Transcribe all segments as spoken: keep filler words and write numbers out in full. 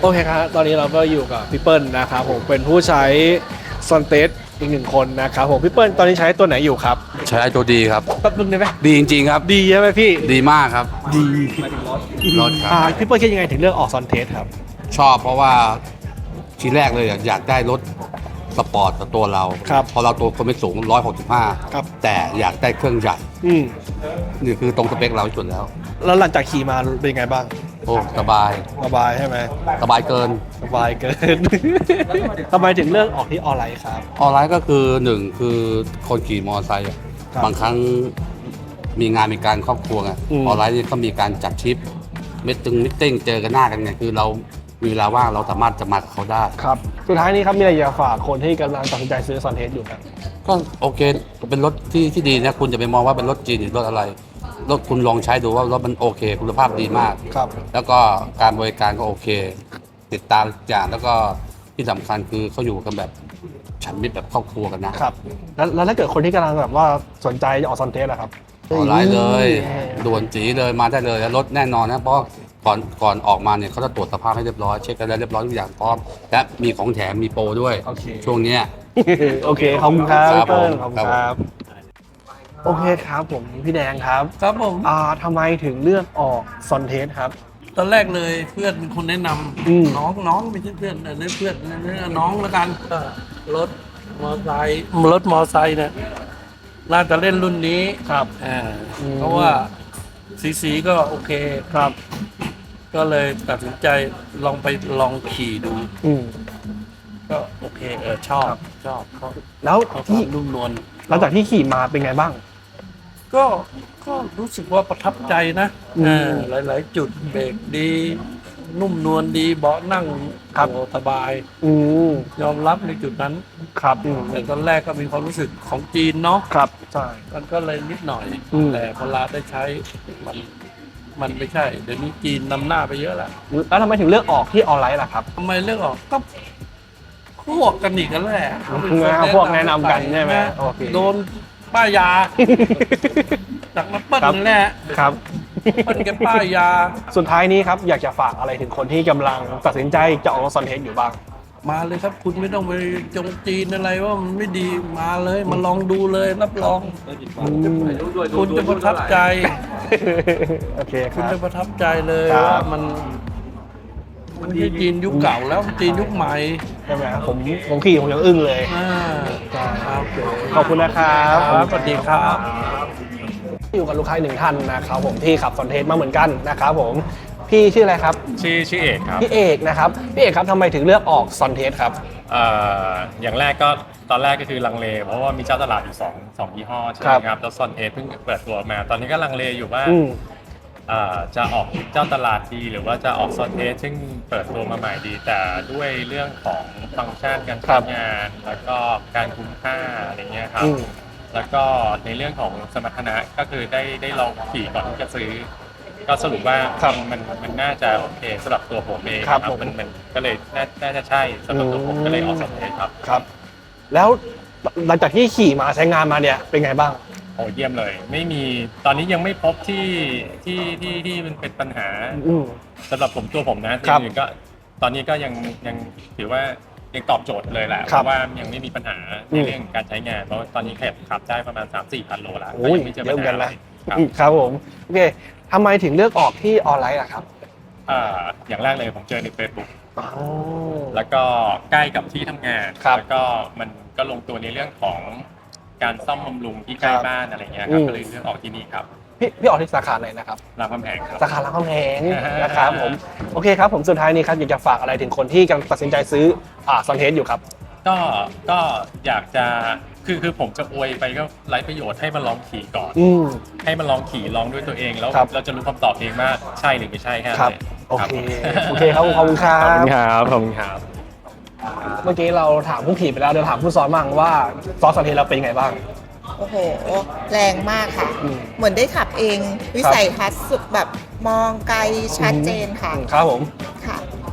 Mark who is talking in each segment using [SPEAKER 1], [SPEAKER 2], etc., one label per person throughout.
[SPEAKER 1] โอเคครับตอนนี้เราก็อยู่กับพี่เปิ้ลนะครับผมเป็นผู้ใช้ซอนเทสอีกหนึ่งคนนะครับผมพี่เปิ้ลตอนนี้ใช้ตัวไหนอยู่ครับ
[SPEAKER 2] ใช้ตัวดีครับ
[SPEAKER 1] แป๊บนึงได้ไหม
[SPEAKER 2] ดีจริงๆครับ
[SPEAKER 1] ดีใช่ไหมพี่
[SPEAKER 2] ดีมากครับ
[SPEAKER 1] ดี
[SPEAKER 2] รถครับ
[SPEAKER 1] อ่าพี่เปิ้ลคิดยังไงถึงเลือกออกซอนเทสครับ
[SPEAKER 2] ชอบเพราะว่าทีแรกเลยอยากได้รถสปอร์ตกับตัวเราพอเราตัวคนไม่สูงหนึ่งร้อยหกสิบห้าแต่อยากได้เครื่องใหญ่นี่คือตรงสเปคเราสุดแล้ว
[SPEAKER 1] แล้วหลังจากขี่มาเป็นยังไงบ้าง
[SPEAKER 2] โอ้สบาย
[SPEAKER 1] สบายใช่ไหม
[SPEAKER 2] สบายเกิน
[SPEAKER 1] สบายเกิน ทำไมถึงเลือกออกที่ออนไลน์ครับ
[SPEAKER 2] ออนไลน์ก็คือหนึ่งคือคนขี่มอเตอร์ไซค์บางครั้งมีงานมีการครอบครัวไงออนไลน์นี่ก็มีการจัดทริปมิตติ้งมิตติ้งเจอกันหน้ากันไงคือเรามีเวลาว่างเราสามารถจะมากับเขาได้
[SPEAKER 1] ครับสุดท้ายนี้ครับมีอะไรอยากฝากคนที่กำลังตัดสินใจซื้อซอนเทสอยู่ครับ
[SPEAKER 2] ก็โอเคเป็นรถที่ที่ดีนะคุณจะไปมองว่าเป็นรถจีนหรือรถอะไรรถคุณลองใช้ดูว่ารถมันโอเคคุณภาพดีมาก
[SPEAKER 1] ครับ
[SPEAKER 2] แล้วก็การบริการก็โอเคติดตามอย่างแล้วก็ที่สำคัญคือเขาอยู่กันแบบฉันมิตรแบบครอบครัวกันนะครับ
[SPEAKER 1] แล้วแล้วถ้าเกิดคนที่กำลังแบบว่าสนใจจะออกซอนเทสอะครับ
[SPEAKER 2] ออนไลน์เลยด่วนจีเลยมาได้เลยแล้วรถแน่นอนนะเพราะก่อนก่อนออกมาเนี่ยเขาจะตรวจสภาพให้เรียบร้อยเช็คกันแล้วเรียบร้อยทุกอย่างพร้อมและมีของแถมมีโปรด้วยช่วงนี้
[SPEAKER 1] โอเคขอบคุณครับ
[SPEAKER 2] ครับผม
[SPEAKER 1] ขอบคุณครับโอเคครับผมพี่แดงครับ
[SPEAKER 3] ครับผม
[SPEAKER 1] อ่าทำไมถึงเลือกออกซอนเทสครับ
[SPEAKER 3] ตอนแรกเลยเพื่อนเป็นคนแนะนำน้องน้องไม่ใช่เพื่อนเนเพื่อนน้องแล้วกันรถมอเตอร์ไซค์รถมอเตอร์ไซค์เนี่ยน่าจะเล่นรุ่นนี้
[SPEAKER 1] ครับ
[SPEAKER 3] อ่าเพราะว่าสีสีก็โอเค
[SPEAKER 1] ครับ
[SPEAKER 3] ก็เลยตัดสินใจลองไปลองขี่ดูก็โอเคเออชอบชอบเขา
[SPEAKER 1] แล้วที่
[SPEAKER 3] นุ่มนวล
[SPEAKER 1] หลังจากที่ขี่มาเป็นไงบ้าง
[SPEAKER 3] ก็ก็รู้สึกว่าประทับใจนะอ่าหลายๆจุดเบรกดีนุ่มนวลดีเบาะนั่ง
[SPEAKER 1] ครับ
[SPEAKER 3] สบายยอมรับในจุดนั้น
[SPEAKER 1] ครับ
[SPEAKER 3] แต่ตอนแรกก็มีความรู้สึกของจีนเนาะ
[SPEAKER 1] ครับใช่
[SPEAKER 3] มันก็เลยนิดหน่อยแต่พอลาได้ใช้มันมันไม่ใช่เดี๋ยวนี้จีนนำหน้าไปเยอะแล้ว
[SPEAKER 1] แล้วทำไมถึงเลือกออกที่ออนไลน์ล่ะครับ
[SPEAKER 3] ทำไมเลือกออกก็พวกกันอีกกันแหละ
[SPEAKER 1] พวกแนะนำกันใช่ไหม
[SPEAKER 3] โดนป้ายาจากมาเปิ้ลนั่นแหละ
[SPEAKER 1] ครับ
[SPEAKER 3] เปิ้ลกับป้ายา
[SPEAKER 1] สุดท้ายนี้ครับอยากจะฝากอะไรถึงคนที่กำลังตัดสินใจจะออกซอนเทสอยู่บ้าง
[SPEAKER 3] มาเลยครับคุณไม่ต้องไปจงจีนอะไรว่ามันไม่ดีมาเลยมาลองดูเลยรับรองคุณจะประทับใจ
[SPEAKER 1] โอเคค
[SPEAKER 3] คุณ
[SPEAKER 1] รับ
[SPEAKER 3] จะประทับใจเลยว่ามันมันที่จีนยุคเก่าแล้วจีนยุคใหม่
[SPEAKER 1] ใช่ไหมผมผมขี่ผมยังอึ้งเลยขอบคุณนะครับ
[SPEAKER 3] สวัสดีครับ
[SPEAKER 1] อยู่กับลูกค้าหนึ่งท่านนะครับผมที่ขับซอนเทสมาเหมือนกันนะครับผมพี่ชื่ออะไรครับ
[SPEAKER 4] ชื่อชื่อเอกครับ
[SPEAKER 1] พี่เอกนะครับพี่เอกครับทำไมถึงเลือกออกซอนเทสครับ
[SPEAKER 4] เอ่ออย่างแรกก็ตอนแรกก็คือลังเลเพราะว่ามีเจ้าตลาดอยู่สองสองยี่ห้อใช่ไหมครับแล้วซอนเทสเพิ่งเปิดตัวมาตอนนี้ก็ลังเลอยู่ว่าจะออกเจ้าตลาดดีหรือว่าจะออกซอนเทสซึ่งเปิดตัวมาใหม่ดีแต่ด้วยเรื่องของฟังก์ชันการใช้งานแล้วก็การคุ้มค่าอะไรเงี้ยครับแล้วก็ในเรื่องของสมรรถนะก็คือได้ได้ลองขี่ก่อนที่จะซื้อก็สรุปว่ามันมันน่าจะโอเคสำหรับตัวผมเองครับมันมันก็เลยน่าจะใช่สำหรับตัวผมก็เลยออกซอนเทสครับ
[SPEAKER 1] ครับแล้วหลังจากที่ขี่มาใช้งานมาเนี่ยเป็นไงบ้าง
[SPEAKER 4] โอ้เยี่ยมเลยไม่มีตอนนี้ยังไม่พบที่ที่ที่ที่มันเป็นปัญหาสำหรับผมตัวผมนะที่อื่นก็ตอนนี้ก็ยังยังถือว่ายังตอบโจทย์เลยแหละเพราะว่ายังไม่มีปัญหาในเรื่องการใช้งานเพราะตอนนี้แค่ขับได้ประมาณ สามถึงสี่พันโลแล้ว
[SPEAKER 1] ก็ยังไม่เจอปัญหาอะไรครับผมโอเคทำไมถึงเลือกออกที่ออนไลน์ล่ะครับ
[SPEAKER 4] อ่าอย่างแรกเลยผมเจอใน Facebook แล้วก็ใกล้กับที่ทำงานแล้วก็มันก็ลงตัวในเรื่องของการซ่อมบำรุงที่ใกล้บ้านอะไรเงี้ยครับก็เลยเลือกออกที่นี่ครับ
[SPEAKER 1] พี่พี่ออกที่สาขาไหนนะครับ
[SPEAKER 4] รามคำแหงครับ
[SPEAKER 1] สาขารามคำแหงนะครับผมโอเคครับผมสุดท้ายนี้ครับอยากจะฝากอะไรถึงคนที่กำลังตัดสินใจซื้ออ่าซอนเทสอยู่ครับ
[SPEAKER 4] ก็ก็อยากจะคือคือผมจะอวยไปก็ไร้ประโยชน์ให้มันลองขี่ก่อนให้มันลองขี่ลองด้วยตัวเองแล้วเราจะรู้คำตอบเองว่าใช่หรือไม่ใช่แค่ไหน
[SPEAKER 1] โอเคโอเคครับขอบคุณครับ
[SPEAKER 4] ขอบคุณครับขอบคุณครับ
[SPEAKER 1] เมื่อกี้เราถามผู้ขี่ไปแล้วเดี๋ยวถามผู้ซ้อนบ้างว่าซ้อนซอนเทสเราเป็นยังไงบ้าง
[SPEAKER 5] โอ้โหแรงมากค่ะเหมือนได้ขับเองวิสัยทัศน์สุดแบบมองไกลชัดเจนค่ะ
[SPEAKER 1] ครับผม
[SPEAKER 5] ค่ะ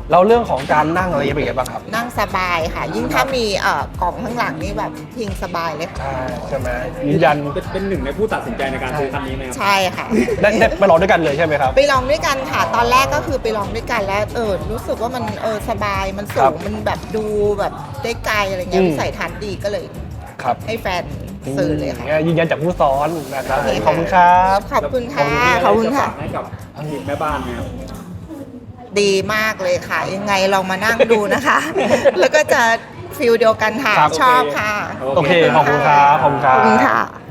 [SPEAKER 1] แล้วเรื่องของการนั่งอะไรเป็นยังไงบ้างครับ
[SPEAKER 5] นั่งสบายค่ะ ยิ่งถ้ามีเอ่อกล่องข้างหลังนี่แบบพิงสบายเลยค่ะ
[SPEAKER 1] ใช่ใช่ไหมยืนยัน
[SPEAKER 6] เป็นเป็นหนึ่งในผู้ตัดสินใจในการซื้อคันนี้ไหมครับ
[SPEAKER 5] ใช่ค่ะ
[SPEAKER 1] ได้ได้ไปลองด้วยกันเลยใช่ไหมครับ
[SPEAKER 5] ไปลองด้วยกันค่ะ ตอนแรกก็คือไปลองด้วยกันแล้วเออรู้สึกว่ามันเออสบายมันสู
[SPEAKER 1] ครั
[SPEAKER 5] ง
[SPEAKER 1] บ
[SPEAKER 5] มันแบบดูแบบได้ไกลอะไรเงี้ย
[SPEAKER 1] อืม
[SPEAKER 5] วิสัยทัศน์ดีก็เลย
[SPEAKER 1] ครับ
[SPEAKER 5] ให้แฟนซื้อเลยค่ะ
[SPEAKER 1] นี่ยืนยันจากผู้ซ้อนนะครับ
[SPEAKER 5] โอเค
[SPEAKER 1] ขอบคุณครับ
[SPEAKER 5] ขอบคุณค่ะขอบคุณค่ะ
[SPEAKER 6] ให้กับทีมแม่บ้านไหมครับ
[SPEAKER 5] ดีมากเลยค่ะ ยังไงลองมานั่งดูนะคะ แล้วก็จะฟิลเดียวกันค่ะ
[SPEAKER 1] ครับ
[SPEAKER 5] ชอบค่ะ
[SPEAKER 1] โอเคขอบคุณครับขอบคุณครั
[SPEAKER 5] ขอบคุณ
[SPEAKER 1] บ
[SPEAKER 5] ค่ะ